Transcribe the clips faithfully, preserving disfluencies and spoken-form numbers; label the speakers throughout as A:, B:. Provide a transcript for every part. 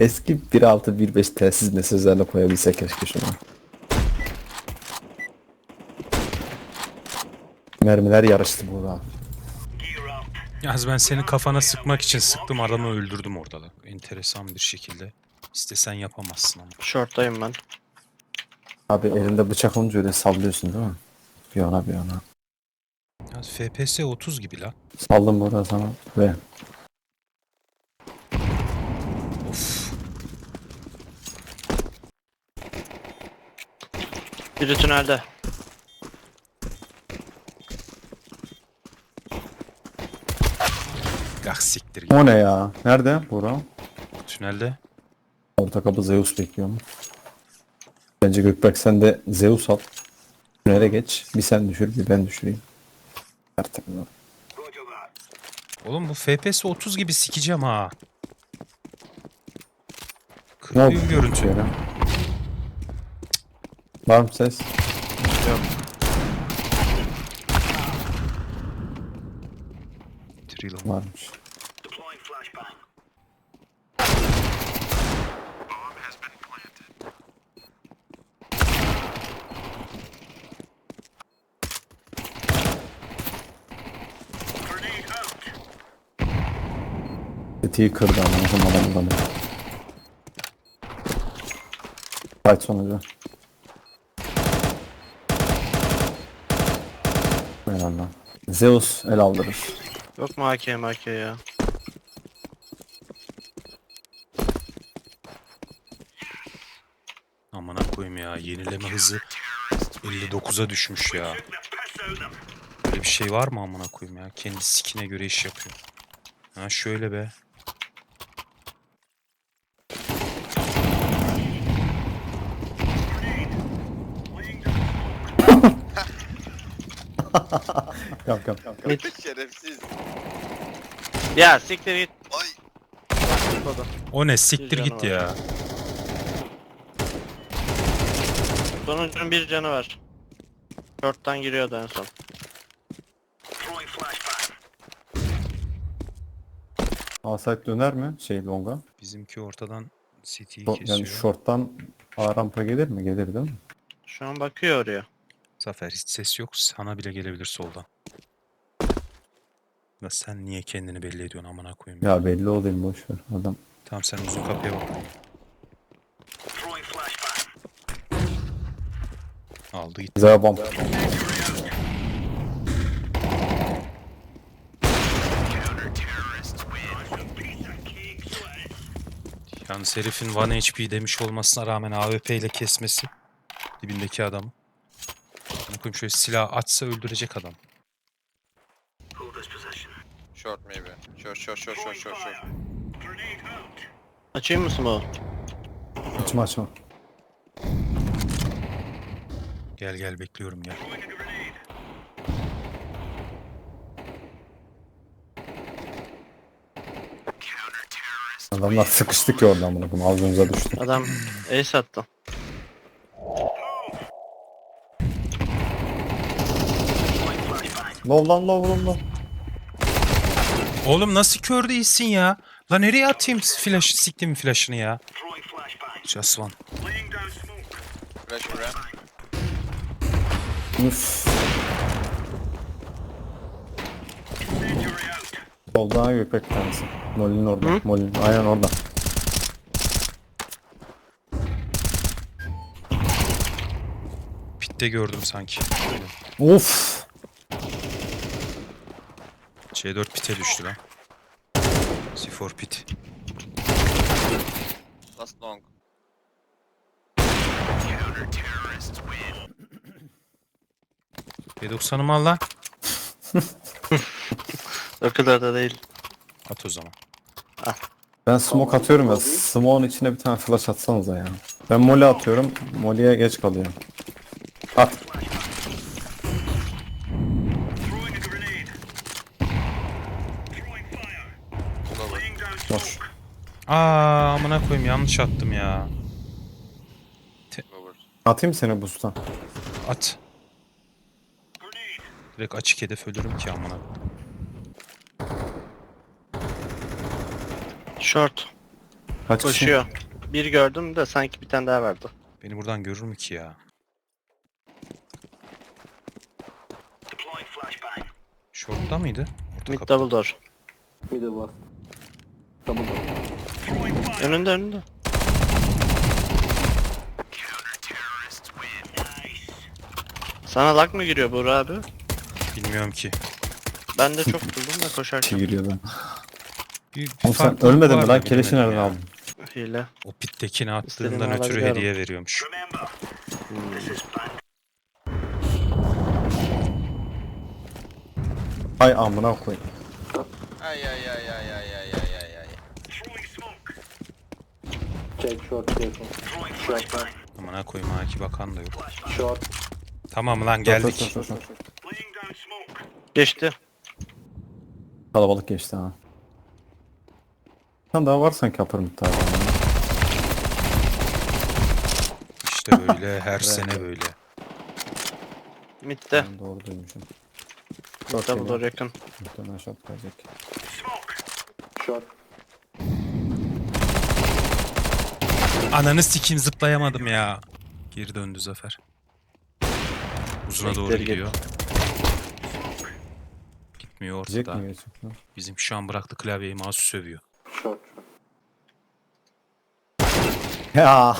A: Eski bir altı bir beş telsiz mesajlarla koyabilsek keşke şunu. Mermiler yarıştı burada.
B: Yaz ben senin kafana sıkmak için sıktım, adamı öldürdüm orada da. Enteresan bir şekilde. İstesen yapamazsın ama.
C: Short'tayım ben.
A: Abi elinde bıçak olunca öyle sallıyorsun değil mi? Bir yana bir yana.
B: Yaz F P S otuz gibi la.
A: Saldım burada sana ve
B: Of.
C: Biri tünelde.
B: Gah siktir git.
A: o ne ya? Nerede Burak?
B: Tünelde.
A: Orta kapı Zeus bekliyorum. Bence Gökberk sen de Zeus al. Tünele geç. Bir sen düşür bir ben düşüreyim. Artık bunu.
B: Oğlum bu F P S otuz gibi sikeceğim ha.
A: Ne oldu?
B: Kırıyor görüntü.
A: Şöyle. Var mı ses?
C: Yok.
B: Trill.
A: Varmış. Tetiği kırdı ama o zaman adamı da. Fight sonucu. Eyvallah. Zeus el aldırır.
C: Yok mu A K M A K ya?
B: Amına koyayım ya, yenileme hızı elli dokuza düşmüş ya. Böyle bir şey var mı amına koyayım ya? Kendi sikine göre iş yapıyor. Ha şöyle be.
A: Yap yap yap.
C: Mid.
D: Şerefsiz.
C: Ya siktir git.
D: Ay.
B: O ne, siktir
C: Bir
B: git
C: canı
B: ya.
C: Sonuncunun bir canı var. Short'tan giriyordu en son.
A: Asayt döner mi? Şey longa.
B: Bizimki ortadan City'yi
A: Şo-
B: kesiyor.
A: yani short'tan A rampa gelir mi? Gelir değil mi?
C: Şu an bakıyor oraya.
B: Zafer hiç ses yok. Sana bile gelebilir soldan. Ya sen niye kendini belli ediyorsun amına koyayım ya.
A: Ya belli olayım boş ver. Adam
B: Tamam sen uzun kapıya bak. Aldı gitti.
A: bize bomb.
B: Yalnız herifin bir H P demiş olmasına rağmen A W P ile kesmesi dibindeki adamı. Amına koyayım, şöyle silah açsa öldürecek adam.
D: Short maybe. Short short short short short short.
C: Açayım mı smoke?
A: Açma açma.
B: Gel gel bekliyorum gel.
A: Adamlar sıkıştı ki oradan bunu. Bunu ağzımıza düştü.
C: Adam ace attı.
A: Low lan low low low.
B: Oğlum nasıl kör değilsin ya? La nereye atayım flash, siktim flash'ını ya. Just one.
D: Flash ramp.
A: Üff. Soldan Gökberk tanesi. Molin orada.
C: Hı?
A: Molin aynen orada.
B: Pit'te gördüm sanki.
A: Of.
B: C dört pit'e düştü lan. C dört pit.
D: Last long.
B: P doksan'ımı al lan.
C: O kadar da değil.
B: At o zaman.
A: Ben smoke atıyorum ya. Smoke'un içine bir tane flash atsanıza ya. Ben mole atıyorum. Mole'ye geç kalıyorum. At. Boş.
B: Aa amına koyayım, yanlış attım ya.
D: Lower.
A: Atayım seni boost'tan.
B: At. Direkt açık hedef ölürüm ki amına.
C: Short.
A: Kaç kişi?
C: Koşuyor. Bir gördüm de sanki bir tane daha vardı.
B: Beni buradan görür mü ki ya? Short'ta mıydı? Orta
C: Mid
B: kapıda.
C: double door.
A: Middle var. Double door.
C: Önünde önünde. Sana lag mı giriyor Buğra abi?
B: Bilmiyorum ki.
C: Ben de çok buldum da
A: Kişi
C: koşarken.
A: giriyordu.
B: Bir, bir
A: Oğlum sen
B: farklılık
A: ölmedin
B: var
A: mi
B: da
A: lan? Keleşi
B: bilemedim
A: nereden
B: ya.
A: aldın?
C: Hile.
B: O pittekini
C: İstediğimi
B: attığından ötürü
C: alabiliyorum.
B: hediye veriyormuş.
A: Ay amına koy.
D: Ay ay ay ay ay ay ay ay ay.
A: Check short, check short. Short,
B: Amına koyayım ha ki bakan da yok.
A: short.
B: Tamam lan geldik.
A: Short, short, short.
C: Geçti.
A: Kalabalık geçti ha. Sen daha var sanki upper mid daha.
B: İşte böyle her sene böyle.
C: Mid'de.
A: Ben doğru duymuşum.
C: Mid double door yakın.
A: Muhtemelen short gelecek. Short.
B: Ananı sikeyim zıplayamadım ya. Geri döndü Zafer. Uzuna doğru
C: Bekleri
B: gidiyor. Gitmiyor
A: Gelecek
B: ortada.
A: mi gerçekten?
B: Bizim şu an bıraktı klavyeyi mouse sövüyor.
A: Short. Ya.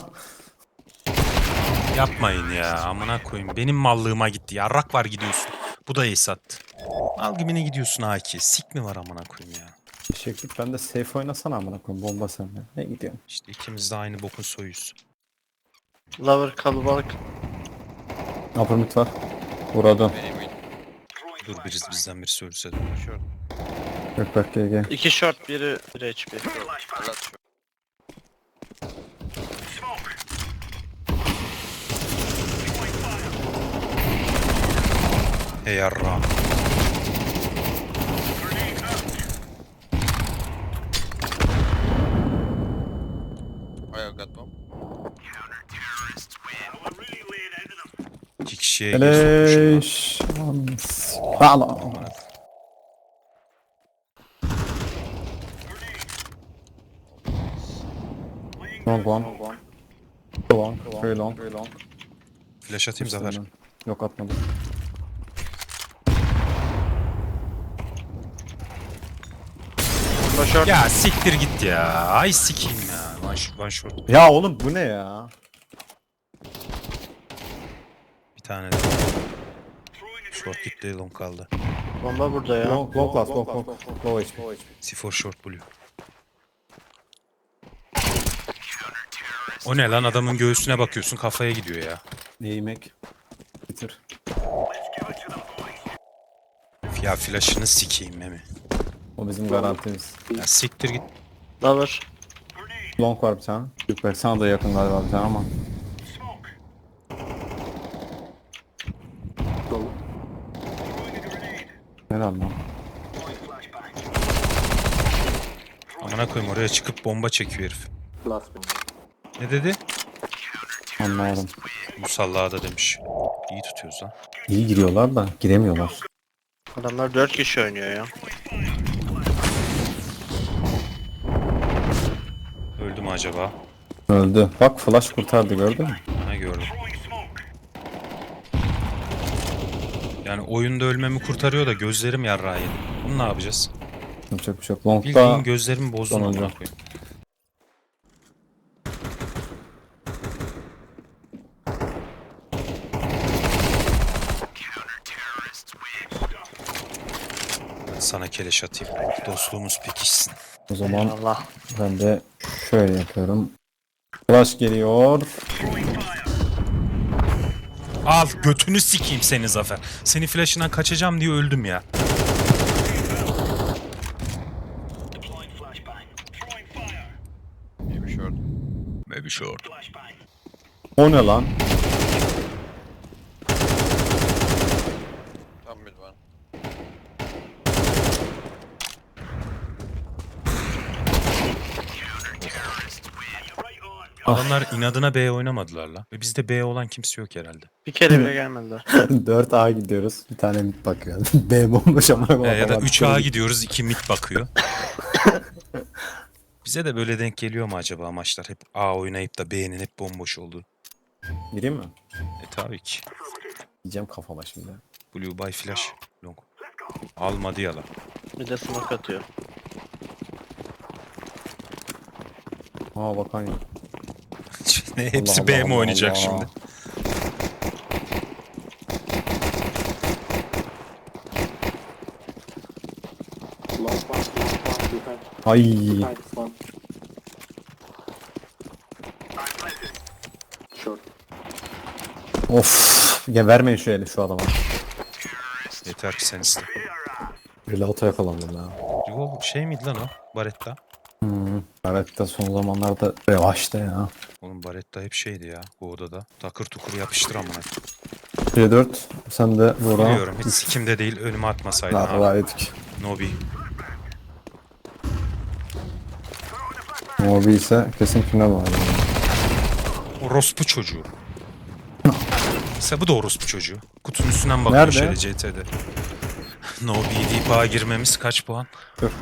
B: Yapmayın ya amına koyayım. Benim mallığıma gitti. Yarrak var gidiyorsun. Bu da ace attı. Al gibine gidiyorsun A iki. Sik mi var amına koyayım ya.
A: Teşekkür. Ben de safe oynasana amına koyayım. Bomba sende. Ne gidiyorsun?
B: İşte ikimiz de aynı bokun soyuz.
C: Lover kalabalık.
A: Upper mid var. Vuradım.
D: Benim win.
B: Dur biriz bizden birisi ölse de.
D: Short.
A: Gökberk G G.
C: İki short biri bir H P.
D: A lot short.
B: Hey yarra.
D: Oh yeah, got bomb.
B: İki kişiye gir sokmuşum lan.
A: Eleş. Sağlam.
B: Amına koyayım.
A: Long one. Long. Very long. Very long.
B: Flash atayım Zafer.
A: Yok atmadım.
C: Bomba short.
B: Ya siktir git ya. Ay sikeyim ya. One shot, one shot.
A: Ya oğlum bu ne ya?
B: Bir tane de. Short gitti long kaldı.
C: Bomba burada ya.
A: Long, long last, long, long, low H P.
B: C four short blue. O ne lan adamın göğsüne bakıyorsun kafaya gidiyor ya.
A: Yemek. Bitir.
B: Ya flash'ını sikeyim Memi.
A: O bizim garantimiz.
B: Ya siktir git.
C: Lover.
A: Long var bir tane. Gökberk sana da yakın galiba bir tane ama. Helal lan.
B: Amına koyayım oraya çıkıp bomba çekiyor herif. Ne dedi?
A: Anlamadım.
B: Musallada da demiş. İyi tutuyoruz lan.
A: İyi giriyorlar da giremiyorlar.
C: Adamlar dört kişi oynuyor ya.
B: Öldü mü acaba?
A: Öldü. Bak flash kurtardı gördün mü?
B: Ha gördüm. Yani oyunda ölmemi kurtarıyor da gözlerim yarrağı yedi. Bunu ne yapacağız?
A: Yapacak bir şey yok. Long'da
B: Bildiğin gözlerimi bozdun
A: sonuncu.
B: amına koyayım. Ben sana keleş atayım. Dostluğumuz pekişsin.
A: o zaman
C: Allah.
A: ben de şöyle yapıyorum. Flash geliyor.
B: Al götünü sikeyim seni Zafer. Seni flash'ından kaçacağım diye öldüm ya.
D: Maybe short.
B: Maybe short.
A: O ne lan?
D: Top mid one.
B: Adamlar inadına B oynamadılar la. Ve bizde B olan kimse yok herhalde.
C: Bir kere bile gelmediler.
A: dört A gidiyoruz. Bir tane mid bakıyor. B bomboş ama.
B: E, ya da üç A gidiyoruz, iki mid bakıyor. Bize de böyle denk geliyor mu acaba maçlar? Hep A oynayıp da B'nin hep bomboş olduğu.
A: Gireyim mi?
B: E tabii ki.
A: Diyeceğim kafama şimdi.
B: Blue by flash. Long. Almadı yalan.
C: Bir de smoke atıyor.
A: Aa bakan ya.
B: Ne, hepsi
A: Allah
B: B
A: Allah
B: mi oynayacak
A: Allah.
B: şimdi?
E: Last one, last one, behind,
A: Ay.
E: behind one. Short.
A: Of. Ya vermeyin şu eli şu adama.
B: Yeter ki sen iste.
A: Reload'a yakalandım ya.
B: Revolver şey miydi lan o? Baretta.
A: Hmm. Evet de son zamanlarda revaçta ya.
B: Oğlum Baretta hep şeydi ya bu odada. Takır tukur yapıştır amına.
A: C dört. Sen de Bora.
B: Biliyorum hiç sikimde değil önüme atmasaydın abi.
A: Daha ettik.
B: Nobi.
A: Mobi ise kesin final var. Yani.
B: Orospu çocuğu. Mesela bu da orospu çocuğu. Kutunun üstünden bakıyor
A: Nerede?
B: şöyle C T'de. Nobi deyip A'ya girmemiz kaç puan?
A: Dur.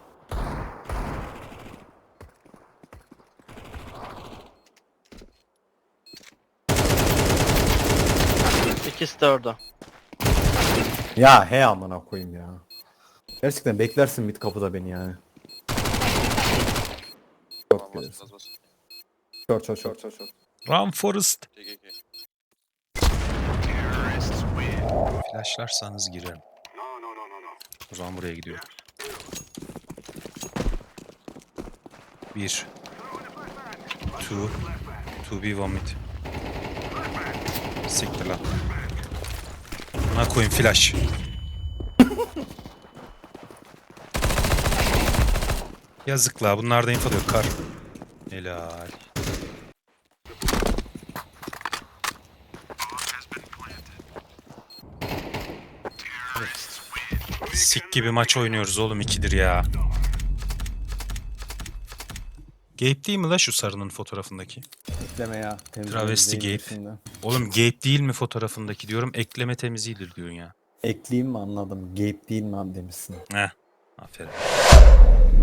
C: İkisi de orada.
A: Ya he amına koyayım ya. Gerçekten beklersin mid kapıda beni yani. Çok
D: Tamam, bas,
A: gelirsin.
D: bas, bas.
A: Çok çok çok çok çok.
B: Run Forest.
D: G G G.
B: Flashlarsanız girerim. O zaman buraya gidiyor. Bir. Two. Two B one mid. Siktir lan. Buna koyayım flash. Yazık la bunlarda info da yok kar. Helal. Sik gibi maç oynuyoruz oğlum ikidir ya. Gabe değil mi la şu sarının fotoğrafındaki?
A: Ekleme ya.
B: Travesti
A: temizleyin
B: Gabe.
A: şimdi.
B: Oğlum Gabe değil mi fotoğrafındaki diyorum. Ekleme temizidir diyorsun ya.
A: Ekleyeyim mi anladım. Gabe değil mi abi demişsin.
B: Heh. Aferin.